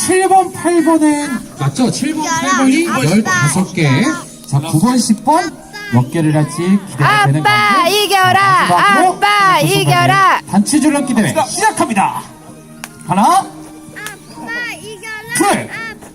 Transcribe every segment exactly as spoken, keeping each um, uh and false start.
칠 번, 팔 번은 맞죠? 칠 번, 팔 번이 열다섯 개. 자, 구 번, 십 번 몇 개를 할지 기대가 되는 건데. 아빠 이겨라! 아빠 이겨라! 단체 줄넘기 대회 시작합니다. 하나, 아빠 이겨라. 둘.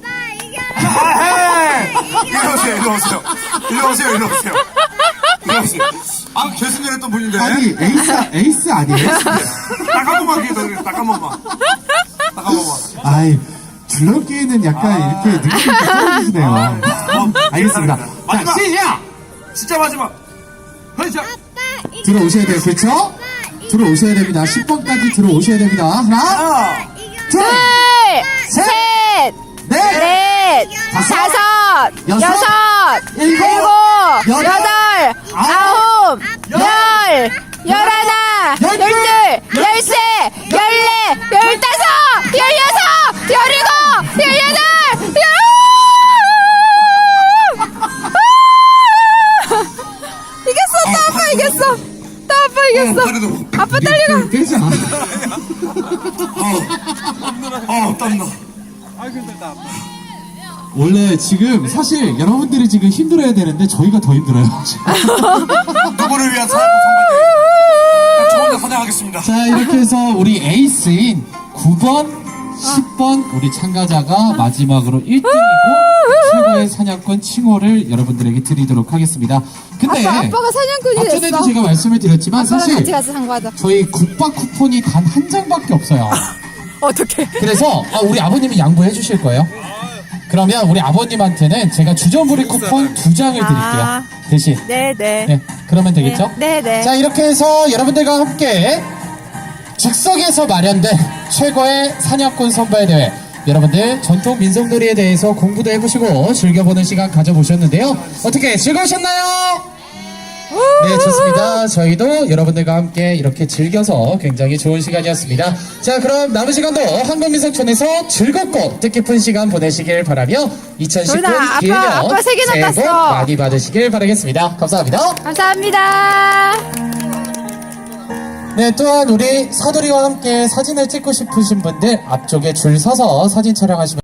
아빠 이겨라. 일로 오세요, 일로 오세요. 일로 오세요, 일로 오세요. 일로 오세요. 아, 결승전 했던 분인데. 아니, 에이스, 에이스 아니에요? 딱 한 번만 기회 딱 한 번만. 딱 한 번만. 아이, 줄넘기에는 약간 이렇게 느낌이 떨어지시네요. 알겠습니다. 자, 마지막. 시작! 진짜 마지막. 시작. 아빠 이겨라. 들어오셔야 돼요, 그렇죠? 들어오셔야 됩니다. 십 번까지 들어오셔야 됩니다. 하나, 하나, 둘, 셋, 넷, 넷, 다섯, 다섯, 여섯, 여섯, 일곱, 일곱, 여덟, 여덟, 아홉, 열, 열하나, 열둘, 열둘, 열세, 열네, 열다섯, 열여섯, 열일곱, 열여덟, 열 이겼어! 또 아빠 이겼어! 또 아빠 이겼어! 다리도. 아빠 딸려가! 되지 않아. 어, 땀나. 원래 지금 사실 여러분들이 지금 힘들어야 되는데 저희가 더 힘들어요. 누구를 위한 사고 선발대회. 저 혼자 사냥하겠습니다. 자, 이렇게 해서 우리 에이스인 구 번, 십 번 우리 참가자가 마지막으로 일 등이고 최고의 사냥꾼 칭호를 여러분들에게 드리도록 하겠습니다. 근데 아빠, 아빠가 사냥꾼이 됐어. 앞전에도 제가 말씀을 드렸지만 아빠랑 사실 같이 가서 상과하자. 저희 국밥 쿠폰이 단 한 장밖에 없어요. 어떡해. 그래서 아, 우리 아버님이 양보해 주실 거예요. 그러면 우리 아버님한테는 제가 주전부리 쿠폰 두 장을 드릴게요. 아. 대신. 네네. 네, 그러면 되겠죠? 네, 네. 자, 이렇게 해서 여러분들과 함께 즉석에서 마련된 최고의 사냥꾼 선발대회, 여러분들 전통 민속놀이에 대해서 공부도 해보시고 즐겨보는 시간 가져보셨는데요. 어떻게 즐거우셨나요? 네, 좋습니다. 저희도 여러분들과 함께 이렇게 즐겨서 굉장히 좋은 시간이었습니다. 자, 그럼 남은 시간도 한국민속촌에서 즐겁고 뜻깊은 시간 보내시길 바라며 이천십구 도윤아, 아빠, 기해년 아빠 세 개나 새해 복 땄어. 많이 받으시길 바라겠습니다. 감사합니다. 감사합니다. 네, 또한 우리 사돌이와 함께 사진을 찍고 싶으신 분들 앞쪽에 줄 서서 사진 촬영하시면